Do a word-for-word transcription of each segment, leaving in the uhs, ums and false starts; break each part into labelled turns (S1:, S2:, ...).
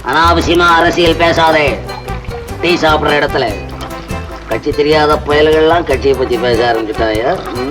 S1: அனாவசியமா அரசியல் பேசாதே. டீ சாப்பிடுற இடத்துல கட்சி தெரியாத புயல்கள்லாம் கட்சியை பத்தி பேச ஆரம்பிச்சுட்டாயா?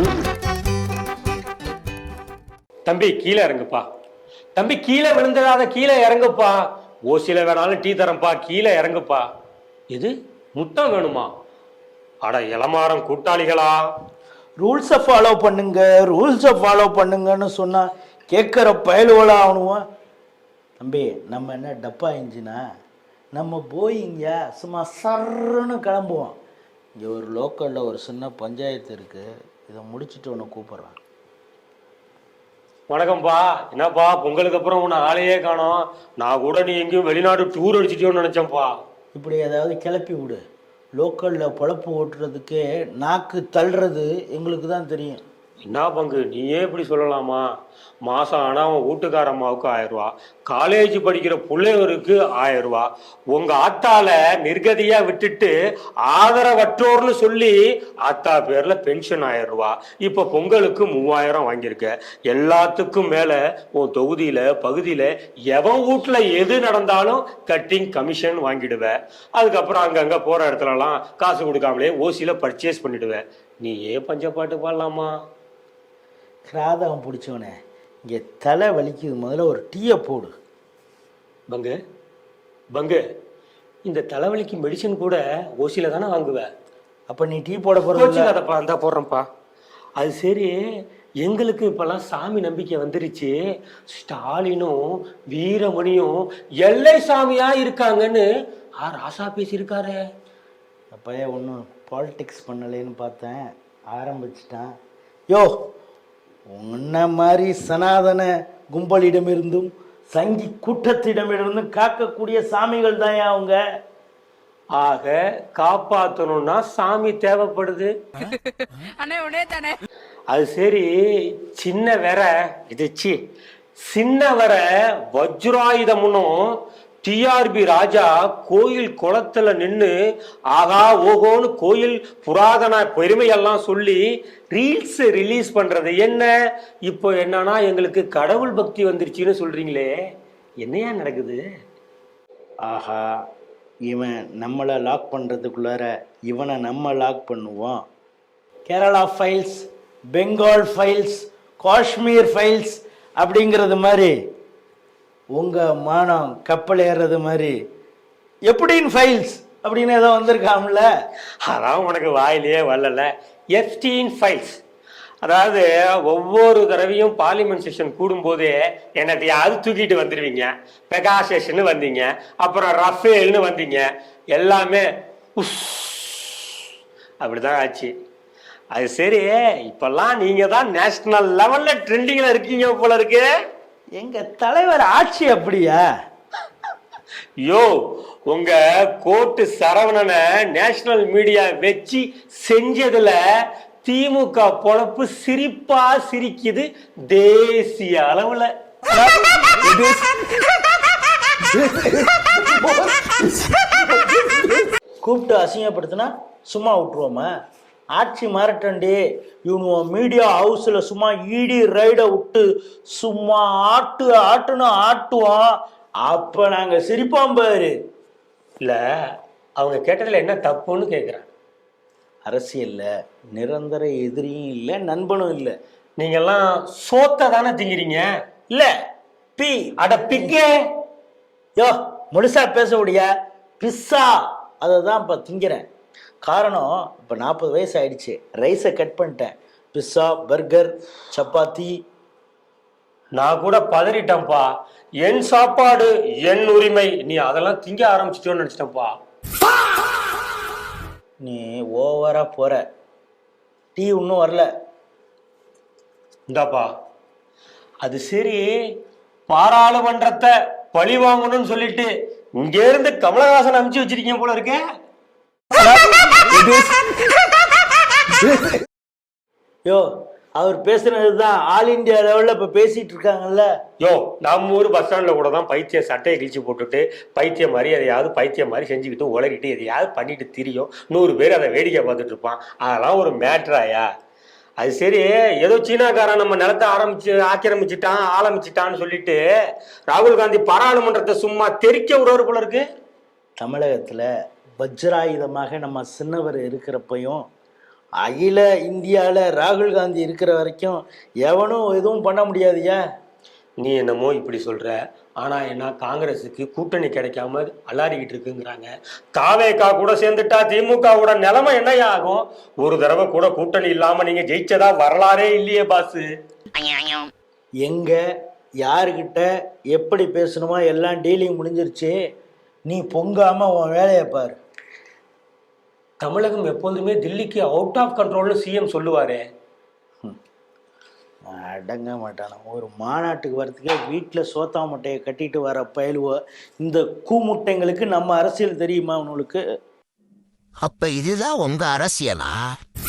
S2: தம்பி கீழே இறங்குப்பா. தம்பி கீழே விழுந்துடாத, கீழே இறங்குப்பா. ஓசியில வேணாலும் டீ தரம்பா, கீழே இறங்குப்பா. இது முத்தம் வேணுமா? அட இளமாறம் கூட்டாளிகளா,
S3: ரூல்ஸை ஃபாலோ பண்ணுங்க, ரூல்ஸை ஃபாலோ பண்ணுங்கன்னு சொன்னா கேட்குற பயலுவலா ஆகணுவோம். தம்பி நம்ம என்ன டப்பா இன்ஜினா? நம்ம போயிங்க சும்மா சர்ன்னு கிளம்புவோம். இங்கே ஒரு லோக்கலில் ஒரு சின்ன பஞ்சாயத்து இருக்குது, இதை முடிச்சுட்டு உன்னை கூப்பிட்றான்.
S2: வணக்கம்ப்பா. என்னப்பா பொங்கலுக்கு அப்புறம் உன்னை ஆளையே காணோம். நான் கூட நீ எங்கேயும் வெளிநாடு டூர் அடிச்சிட்டியோன்னு நினைச்சேன்ப்பா.
S3: இப்படி ஏதாவது கிளப்பி விடு. லோக்கலில் பொழப்பு ஓட்டுறதுக்கே நாக்கு தள்ளுறது எங்களுக்கு தான் தெரியும்.
S2: என்ன பங்கு நீயே இப்படி சொல்லலாமா? மாசம் ஆனா அவன் வீட்டுக்கார அம்மாவுக்கு ஆயிரம் ரூபா, காலேஜ் படிக்கிற பிள்ளைவருக்கு ஆயிரம் ரூபா, உங்க ஆத்தால நிர்கதியா விட்டுட்டு ஆதரவற்றோர்னு சொல்லி ஆத்தா பேர்ல பென்ஷன் ஆயிரம் ரூபா, இப்ப பொங்கலுக்கு மூவாயிரம் வாங்கியிருக்க. எல்லாத்துக்கும் மேல உன் தொகுதியில பகுதியில எவன் வீட்டுல எது நடந்தாலும் கட்டிங் கமிஷன் வாங்கிடுவ. அதுக்கப்புறம் அங்கங்க போற இடத்துல எல்லாம் காசு கொடுக்காமலே ஓசியில பர்ச்சேஸ் பண்ணிடுவ. நீ ஏன் பஞ்சப்பாட்டு பாடலாமா?
S3: கிராதகம் பிடிச்சவனே, இங்கே தலை வலிக்குது, முதல்ல ஒரு டீயை போடு.
S2: பங்கு பங்கு இந்த தலைவலிக்கு மெடிசன் கூட ஓசியில தானே வாங்குவேன்.
S3: அப்போ நீ டீ போட போகிறதப்பா?
S2: அதப்பா அந்த போடுறேன்ப்பா. அது சரி, எங்களுக்கு இப்பெல்லாம் சாமி நம்பிக்கை வந்துருச்சு. ஸ்டாலினும் வீரமணியும் எல்லை சாமியா இருக்காங்கன்னு ஆ ராசா பேசியிருக்காரு.
S3: அப்பயே ஒன்றும் பாலிடிக்ஸ் பண்ணலேன்னு பார்த்தேன், ஆரம்பிச்சிட்டான். யோ, உன்ன மாதிரி சனாதன கும்பலிடமிருந்தும் சங்கி கூட்டத்திடமிருந்தும் காக்கக்கூடிய சாமிகள் தான் அவங்க.
S2: ஆக காப்பாற்றணும்னா சாமி தேவைப்படுது. அது சரி, சின்ன வேற இதுச்சு சின்ன வர வஜ்ராயுதமுன்னும் டிஆர்பி ராஜா கோயில் குளத்துல நின்று ஆகா ஓகோன்னு கோயில் புராதன பெருமையெல்லாம் சொல்லி ரீல்ஸ் ரிலீஸ் பண்றது என்ன? இப்போ என்னன்னா எங்களுக்கு கடவுள் பக்தி வந்துருச்சுன்னு சொல்றீங்களே, என்னையா நடக்குது?
S3: ஆஹா, இவன் நம்மளை லாக் பண்ணுறதுக்குள்ளார இவனை நம்ம லாக் பண்ணுவோம். Kerala files, Bengal files, Kashmir files அப்படிங்கிறது மாதிரி உங்கள் மானம் கப்பல் ஏறுறது மாதிரி எப்படின்னு ஃபைல்ஸ் அப்படின்னு ஏதோ வந்திருக்காம்ல.
S2: அதான் உனக்கு வாயிலேயே வரல. எஃப்டீன் ஃபைல்ஸ், அதாவது ஒவ்வொரு தடவையும் பார்லிமெண்ட் செஷன் கூடும்போதே என்னத்தையாவது தூக்கிட்டு வந்துடுவீங்க. பெகாசேஷன் வந்தீங்க, அப்புறம் ரஃபேல்னு வந்தீங்க, எல்லாமே உஸ் அப்படிதான் ஆச்சு. அது சரி, இப்பெல்லாம் நீங்க தான் நேஷனல் லெவல்ல ட்ரெண்டிங்ல இருக்கீங்க போல இருக்கு.
S3: எங்க தலைவர் ஆட்சி அப்படியா?
S2: யோ, உங்க கோட்டு சரவணனை நேஷனல் மீடியா வச்சு செஞ்சதுல திமுக பொழப்பு சிரிப்பா சிரிக்குது தேசிய அளவுல.
S3: கூப்பிட்டு அசிங்கப்படுத்தினா சும்மா விட்டுருவோமா? ஆட்சி மாறட்டண்டி, இவனுவன் மீடியா ஹவுஸில் சும்மா ஈடி ரைடை விட்டு சும்மா ஆட்டு ஆட்டுன்னு ஆட்டுவோம், அப்போ நாங்கள் சிரிப்போம் பாரு.
S2: இல்லை, அவங்க கேட்டதில் என்ன தப்புன்னு கேட்குறேன்.
S3: அரசியலில் நிரந்தர எதிரியும் இல்லை, நண்பனும் இல்லை.
S2: நீங்கெல்லாம் சோத்தை தானே திங்கிறீங்க.
S3: இல்லை பி
S2: அட பிக்கே.
S3: யோ, முழுசா பேச முடியா? பிஸ்ஸா அதை தான் இப்போ திங்கிறேன். காரணம், இப்போ நாற்பது வயசு ஆயிடுச்சு, ரைஸை கட் பண்ணிட்டேன். Pizza, burger, chapati.
S2: நான் கூட பதறிட்டேன்ப்பா. என் சாப்பாடு என் உரிமை, நீ அதெல்லாம் திங்க ஆரம்பிச்சிட்டோன்னு நினச்சிட்டேன்ப்பா.
S3: நீ ஓவரா போற. டீ இன்னும் வரல.
S2: இந்தாப்பா. அது சரி, பாராளுமன்றத்தை பழி வாங்கணும்னு சொல்லிட்டு இங்க இருந்து கமலஹாசன் அனுப்பிச்சு வச்சிருக்கீங்க போல இருக்க.
S3: யோ, அவர் பேசுனதுதான் ஆல் இந்தியா லெவல்ல இப்ப பேசிட்டு இருக்காங்கல்ல.
S2: யோ, நம்ம ஊர் பஸ் ஸ்டாண்ட்ல கூட தான் பைத்திய சட்டையை கிழிச்சு போட்டுட்டு பைத்தியம் மாதிரி எதையாவது பைத்தியம் மாதிரி செஞ்சுக்கிட்டு உளறிட்டு எதையாவது பண்ணிட்டு திரியும். நூறு பேர் அதை வேடிக்கை பார்த்துட்டு இருப்பான். அதெல்லாம் ஒரு மேட்ராயா? அது சரி, ஏதோ சீனாக்காரன் நம்ம நிலத்தை ஆரம்பிச்சு ஆக்கிரமிச்சிட்டான் ஆரம்பிச்சிட்டான்னு சொல்லிட்டு ராகுல் காந்தி பாராளுமன்றத்தை சும்மா தெரிக்க விடுறாரு போல இருக்கு.
S3: தமிழகத்தில் வஜ்ராயுதமாக நம்ம சின்னவர் இருக்கிறப்பையும் அகில இந்தியாவில் ராகுல் காந்தி இருக்கிற வரைக்கும் எவனும் எதுவும் பண்ண முடியாதுயா.
S2: நீ என்னமோ இப்படி சொல்ற, ஆனா என்ன காங்கிரஸுக்கு கூட்டணி கிடைக்காம அலாரிக்கிட்டு இருக்குங்கிறாங்க. தாவேகா கூட சேர்ந்துட்டா திமுகவோட நிலைமை என்னையா ஆகும்? ஒரு தடவை கூட கூட்டணி இல்லாம நீங்க ஜெயிச்சதா வரலாறே இல்லையே பாசு.
S3: எங்க யாருக்கிட்ட எப்படி பேசணுமோ எல்லாம் டீலிங் முடிஞ்சிருச்சு. நீ பொங்காம உன் வேலையை பாரு.
S2: தமிழகம் எப்போதுமே தில்லிக்கு அவுட் ஆஃப் கண்ட்ரோல்னு சிஎம் சொல்லுவாரே.
S3: அடங்க மாட்டானா. ஒரு மாநாட்டுக்கு வரத்துக்கே வீட்டில் சோத்தா முட்டையை கட்டிட்டு வர பயலுவோ. இந்த கூமுட்டைங்களுக்கு நம்ம அரசியல் தெரியுமா உங்களுக்கு?
S4: அப்ப இதுதான் உங்க அரசியலா?